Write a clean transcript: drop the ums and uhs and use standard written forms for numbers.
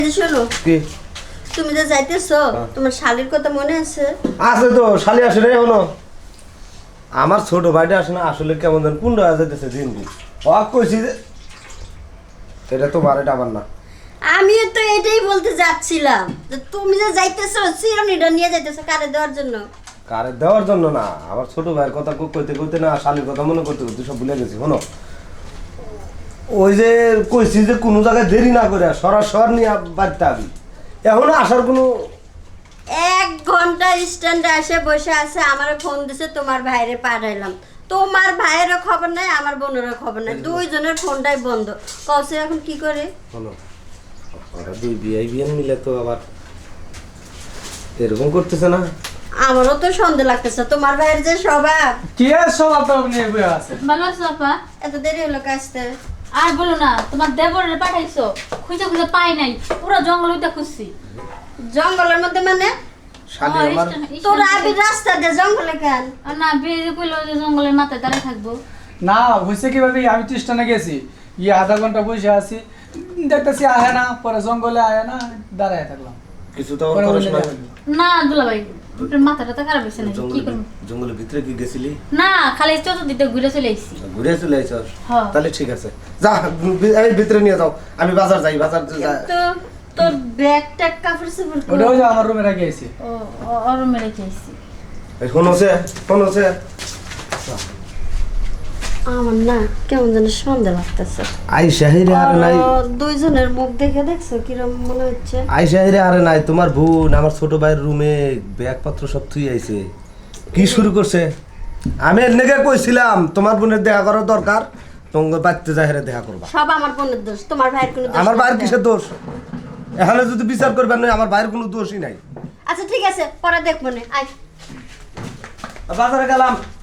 শোনো, কি তুমি যে যাইতেছো তোমার শালির কথা মনে আছে? আছে তো, শালি আসে রে হলো। আমার ছোট ভাইটা আসে না, আসলে কেমন যেন পুন্ড হয়ে যাইতেছে দিন দিন। কইছি যে এটা তোমার, এটা আমার না। আমিও তো এটাই বলতে যাচ্ছিলাম যে তুমি যে যাইতেছো চিরনিটা নিয়ে যাইতেছো কারে দেওয়ার জন্য। কারে দেওয়ার জন্য না, আমার ছোট ভাইয়ের কথা কইতে কইতে না, শালির কথা মনে করতে করতে সব ভুলে গেছি। শোনো, ওই যে কইছি যে কোনো জায়গায় দেরি না করে সরাসর নিয়ে বাড়তে আবি, এখনো আসার কোনো 1 ঘন্টা স্ট্যান্ডে এসে বসে আছে, আমারে ফোন দিছে তোমার ভাইরে পাঠাইলাম। তোমার ভাইয়েরও খবর নাই, আমার বোনেরও খবর নাই, দুইজনের ফোনটাই বন্ধ। কসে এখন কি করে? শোনো, ওরা দুই বিয়ে মিলে তো আবার এরকম করতেছে না। আমারও তো সন্দেহ লাগতেছে তোমার ভাইয়ের যে স্বভাব। কি আর স্বভাব নিয়ে বয়ে আছে? ভালো আছো আপা? এত দেরি হলো কাজতে। আর বলো না, তোমার দেবরে পাঠাইছো, খুঁজে খুঁজে পাই নাই, পুরো জঙ্গল উইটা খুঁজছি। জঙ্গলের মধ্যে মানে? শালি আমার তোরা আবি রাস্তা দিয়ে জঙ্গলে কেন? আর না বেরিয়ে কইলো যে জঙ্গলের মাথায় দাঁড়িয়ে থাকবো। না হয়েছে কিভাবে, আমি তো স্টেশনে গেছি, আধা ঘন্টা বসে আছি, দেখতেছি আহে না, পরে জঙ্গলে আহে না, দাঁড়ায় থাকলাম। কিছু তো পরে করিস বলে না। গেল। না দুলাভাই, আপনার মাথাটা তো খারাপ হয়েছে নাকি, কি করবো? জঙ্গলের ভিতরে কি গেছিলি? না খালি চতুর্দিকে ঘুরে চলে আইছি। ঘুরে চলে আইছস? হ্যাঁ। তাহলে ঠিক আছে, যা এই ভিতরে নিয়ে যাও, আমি বাজার যাই, বাজার তো তোর ব্যাগ ট্যাগ কাপড় চোপড় কই? ওটাও যে আমার রুমে রেখে আইছি। ও ওর মেরে চাইছি। শোনোছে আমার না কেমন যেন সন্দেহ লাগতেছে। আই শাহিরে আর নাই, দুইজনের মুখ দেখে দেখছো কিরম মনে হচ্ছে? আই শাহিরে আর নাই, তোমার বোন আমার ছোট ভাইয়ের রুমে ব্যাগপত্র সব থুই আইছে। কি শুরু করছে? আমি এনেকে কইছিলাম তোমার বোনের দেখা করার দরকার, তোমাকে বাড়তে যাই দেখা করবা। সব আমার বোনের দোষ, তোমার ভাইয়ের কোনো দোষ আমার ভাইয়ের নাই। কিসের দোষ? এখানে যদি বিচার করবেন না, আমার ভাইয়ের কোনো দোষই নাই। আচ্ছা ঠিক আছে, পরে দেখবো না। আয় বাজারে গেলাম।